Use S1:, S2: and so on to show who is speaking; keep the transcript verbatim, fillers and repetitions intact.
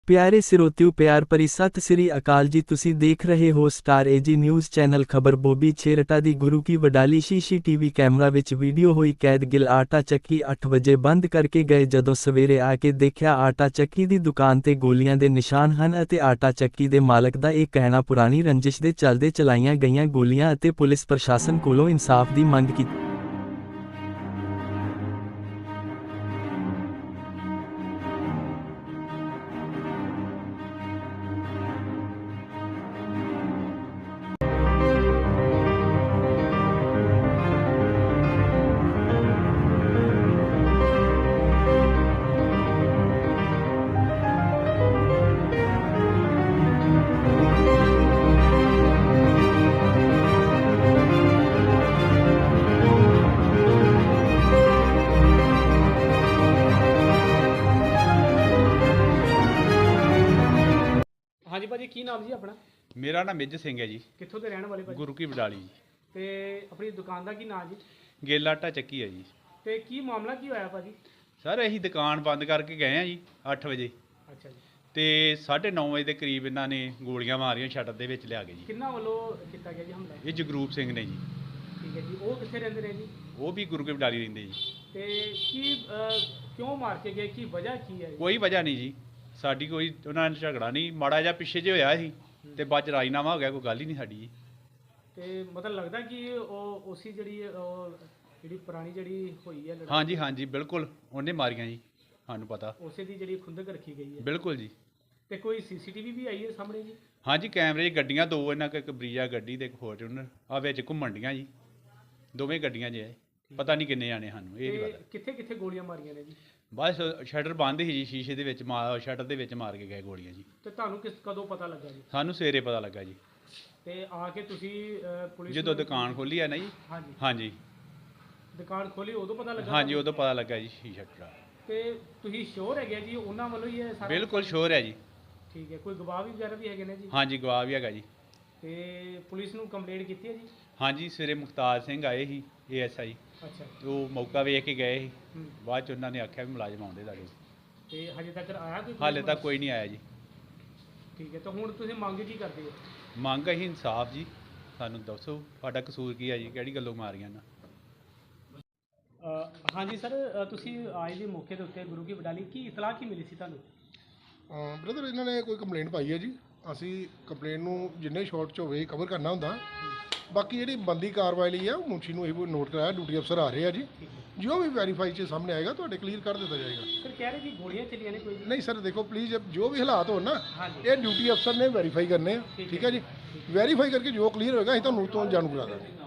S1: ਪਿਆਰੇ ਸਰੋਤਿਓ ਪਿਆਰ ਭਰੀ ਸਤਿ ਸ੍ਰੀ ਅਕਾਲ ਜੀ। ਤੁਸੀਂ ਦੇਖ ਰਹੇ ਹੋ ਸਟਾਰ ਏਜੀ ਨਿਊਜ਼ ਚੈਨਲ। ਖਬਰ ਬੋਬੀ ਛੇਰਟਾ ਦੀ ਗੁਰੂ ਕੀ ਵਡਾਲੀ ਸ਼ੀਸ਼ੀ ਟੀਵੀ ਕੈਮਰਾ ਵਿੱਚ ਵੀਡੀਓ ਹੋਈ ਕੈਦ। ਗਿੱਲ ਆਟਾ ਚੱਕੀ ਅੱਠ ਵਜੇ ਬੰਦ ਕਰਕੇ ਗਏ। ਜਦੋਂ ਸਵੇਰੇ ਆ ਕੇ ਦੇਖਿਆ ਆਟਾ ਚੱਕੀ ਦੀ ਦੁਕਾਨ ਤੇ ਗੋਲੀਆਂ ਦੇ ਨਿਸ਼ਾਨ ਹਨ ਅਤੇ ਆਟਾ ਚੱਕੀ ਦੇ ਮਾਲਕ ਦਾ ਇਹ ਕਹਿਣਾ ਪੁਰਾਣੀ ਰੰਜਿਸ਼ ਦੇ ਚੱਲਦੇ ਚਲਾਈਆਂ ਗਈਆਂ ਗੋਲੀਆਂ ਅਤੇ ਪੁਲਿਸ ਪ੍ਰਸ਼ਾਸਨ ਕੋਲੋਂ ਇਨਸਾਫ ਦੀ ਮੰਗ ਕੀਤੀ।
S2: हाँ जी भाजी की नाम जी अपना?
S3: मेरा नाम मेजर सिंह है जी।
S2: कित्थों के रहने वाले भाजी?
S3: गुरु की बडाली जी।
S2: ते अपनी दुकान का की नाम जी?
S3: गेला आटा ਚੱਕੀ है जी।
S2: ते की मामला की होया भाजी?
S3: सर ਅਸੀਂ ਦੁਕਾਨ ਬੰਦ ਕਰਕੇ ਗਏ ਆ ਜੀ ਅੱਠ ਵਜੇ
S2: अच्छा जी।
S3: ਤੇ ਸਾਢੇ ਨੌ ਵਜੇ ਦੇ ਕਰੀਬ ਇਹਨਾਂ ਨੇ ਗੋਲੀਆਂ ਮਾਰੀਆਂ ਸ਼ਟਰ ਦੇ ਵਿੱਚ ਲਿਆ ਕੇ ਜੀ।
S2: किन्ना वालों किया गया जी हमला?
S3: ਇਹ ਜਗਰੂਪ ਸਿੰਘ ਨੇ ਜੀ।
S2: ठीक है जी। वो कित्थे रहंदे ने जी?
S3: ਉਹ ਵੀ ਗੁਰੂ ਕੀ ਬਡਾਲੀ ਰਹਿੰਦੇ ਜੀ।
S2: ते की अ, क्यों मार के गए, की वजह की है?
S3: ਕੋਈ ਵਜ੍ਹਾ ਨਹੀਂ ਜੀ, ਸਾਡੀ ਕੋਈ ਉਹਨਾਂ ਨਾਲ ਝਗੜਾ ਨਹੀਂ, ਮਾੜਾ ਜਿਹਾ ਪਿੱਛੇ ਜੇ ਹੋਇਆ ਸੀ ਤੇ ਬਾਅਦ ਚ ਰਾਜੀਨਾਮਾ ਹੋ ਗਿਆ, ਕੋਈ ਗੱਲ ਹੀ ਨਹੀਂ ਸਾਡੀ ਜੀ।
S2: ते मतलब लगदा कि ਉਹ ਉਸੀ ਜਿਹੜੀ ਉਹ ਜਿਹੜੀ ਪੁਰਾਣੀ ਜਿਹੜੀ ਹੋਈ ਹੈ ਲੜਾਈ,
S3: ਹਾਂਜੀ ਹਾਂਜੀ ਬਿਲਕੁਲ ਉਹਨੇ ਮਾਰੀਆਂ ਜੀ, ਸਾਨੂੰ ਪਤਾ।
S2: ਉਸੇ ਦੀ ਜਿਹੜੀ ਖੁੰਦਕ ਰੱਖੀ ਗਈ ਹੈ।
S3: ਬਿਲਕੁਲ ਜੀ।
S2: ਤੇ ਕੋਈ ਸੀਸੀਟੀਵੀ ਵੀ ਆਈ ਹੈ ਸਾਹਮਣੇ ਜੀ?
S3: ਹਾਂਜੀ ਕੈਮਰੇ 'ਚ ਗੱਡੀਆਂ ਦੋ, ਇਹਨਾਂ ਕੋਲ ਇੱਕ ਬਰੀਜਾ ਗੱਡੀ ਤੇ ਇੱਕ ਫੋਰਚੂਨਰ ਆ ਵਿੱਚ ਘੁੰਮਣ ਡੀਆਂ ਜੀ, ਦੋਵੇਂ ਗੱਡੀਆਂ 'ਚ ਹੈ। ਪਤਾ ਨਹੀਂ ਕਿੰਨੇ ਜਾਣੇ, ਸਾਨੂੰ ਇਹ ਨਹੀਂ
S2: ਤੇ
S3: ਪਤਾ।
S2: ਕਿੱਥੇ ਕਿੱਥੇ ਗੋਲੀਆਂ ਮਾਰੀਆਂ ਨੇ ਜੀ?
S3: ਬਸ ਸ਼ਟਰ ਬੰਦ ਸੀ ਜੀ, ਸ਼ੀਸ਼ੇ ਦੇ ਵਿੱਚ ਮਾਰ ਸ਼ਟਰ ਦੇ ਵਿੱਚ ਮਾਰ ਕੇ ਗਏ ਗੋਲੀਆਂ ਜੀ।
S2: ਤੇ ਤੁਹਾਨੂੰ ਕਿਸ ਕਦੋਂ ਪਤਾ ਲੱਗਾ ਜੀ?
S3: ਸਾਨੂੰ ਸਵੇਰੇ ਪਤਾ ਲੱਗਾ ਜੀ,
S2: ਤੇ ਆ ਕੇ ਤੁਸੀਂ ਅ, ਪੁਲਿਸ
S3: ਜਦੋਂ
S2: ਨੂੰ-
S3: ਦੁਕਾਨ ਖੋਲੀ ਆ ਨਾ ਜੀ।
S2: ਹਾਂਜੀ
S3: ਹਾਂਜੀ
S2: ਦੁਕਾਨ ਖੋਲੀ ਉਦੋਂ ਪਤਾ ਲੱਗਾ?
S3: ਹਾਂਜੀ ਉਦੋਂ ਪਤਾ ਲੱਗਾ ਜੀ ਸ਼ੀਸ਼ਾ ਟੁੱਟਾ।
S2: ਤੇ ਤੁਸੀਂ ਸ਼ੋਰ ਹੈਗੇ ਜੀ ਉਹਨਾਂ ਵੱਲੋਂ ਹੀ ਇਹ ਸਾਰਾ?
S3: ਬਿਲਕੁਲ ਸ਼ੋਰ ਹੈ ਜੀ।
S2: ਠੀਕ ਹੈ। ਕੋਈ ਗਵਾਹ ਵੀ ਵਗੈਰਾ ਵੀ ਹੈਗੇ ਨੇ ਜੀ?
S3: ਹਾਂਜੀ ਗਵਾਹ ਵੀ ਹੈਗਾ ਜੀ।
S2: ਤੇ ਪੁਲਿਸ ਨੂੰ ਕੰਪਲੇਂਟ ਕੀਤੀ ਹੈ ਜੀ?
S3: ਹਾਂਜੀ ਸਵੇਰੇ ਮੁਖਤਾਰ ਸਿੰਘ ਆਏ ਸੀ ਏ ਐਸ ਆਈ,
S2: ਅੱਛਾ।
S3: ਉਹ ਮੌਕਾ ਵੇਖ ਕੇ ਗਏ ਸੀ।
S2: ਹੂੰ।
S3: ਬਾਅਦ ਚ ਉਹਨਾਂ ਨੇ ਆਖਿਆ ਵੀ ਮੁਲਾਜ਼ਮ ਆਉਂਦੇ ਤੁਹਾਡੇ।
S2: ਤੇ ਹਜੇ ਤੱਕ ਆਇਆ ਕੋਈ?
S3: ਹਾਲੇ ਤੱਕ ਕੋਈ ਨਹੀਂ ਆਇਆ ਜੀ।
S2: ਠੀਕ ਹੈ। ਤਾਂ ਹੁਣ ਤੁਸੀਂ ਮੰਗ ਕੀ ਕਰਦੇ ਹੋ?
S3: ਮੰਗ ਅਸੀਂ ਇਨਸਾਫ ਜੀ, ਸਾਨੂੰ ਦੱਸੋ ਤੁਹਾਡਾ ਕਸੂਰ ਕੀ ਹੈ ਜੀ, ਕਿਹੜੀ ਗੱਲੋਂ ਮਾਰੀਆਂ ਨਾ।
S2: ਹਾਂਜੀ ਸਰ, ਤੁਸੀਂ ਆਏ ਜੀ ਮੌਕੇ ਦੇ ਉੱਤੇ ਗੁਰੂ ਕੀ ਵਡਾਲੀ, ਕੀ ਇਤਲਾਹ ਕੀ ਮਿਲੀ ਸੀ ਤੁਹਾਨੂੰ?
S4: ਬ੍ਰਦਰ ਇਹਨਾਂ ਨੇ ਕੋਈ ਕੰਪਲੇਂਟ ਪਾਈ ਹੈ ਜੀ। ਅਸੀਂ ਕੰਪਲੇਂਟ ਨੂੰ ਜਿੰਨੇ ਸ਼ਾਰਟ 'ਚ ਹੋਵੇ ਕਵਰ ਕਰਨਾ ਹੁੰਦਾ। ਬਾਕੀ ਜਿਹੜੀ ਬੰਦੀ ਕਾਰਵਾਈ ਲਈ ਆ ਉਹ ਮੁਨਸ਼ੀ ਨੂੰ ਇਹ ਨੋਟ ਕਰਾਇਆ, ਡਿਊਟੀ ਅਫਸਰ ਆ ਰਹੇ ਆ ਜੀ। ਜੋ ਵੀ ਵੈਰੀਫਾਈ 'ਚ ਸਾਹਮਣੇ ਆਏਗਾ ਤੁਹਾਡੇ ਕਲੀਅਰ ਕਰ ਦਿੱਤਾ ਜਾਏਗਾ।
S2: ਸਰ ਕਹਿ ਰਹੇ ਕਿ ਗੋਲੀਆਂ ਚੱਲੀਆਂ ਨੇ ਕੋਈ?
S4: ਨਹੀਂ ਸਰ ਦੇਖੋ ਪਲੀਜ਼, ਜੋ ਵੀ ਹਾਲਾਤ ਹੋਣ ਨਾ
S2: ਹਾਂਜੀ।
S4: ਇਹ ਡਿਊਟੀ ਅਫਸਰ ਨੇ ਵੈਰੀਫਾਈ ਕਰਨੇ ਆ। ਠੀਕ ਹੈ ਜੀ, ਵੈਰੀਫਾਈ ਕਰਕੇ ਜੋ ਕਲੀਅਰ ਹੋਏਗਾ ਅਸੀਂ ਤੁਹਾਨੂੰ ਤੋਂ ਜਾਣੂ ਕਰਾ ਦਾਂਗੇ।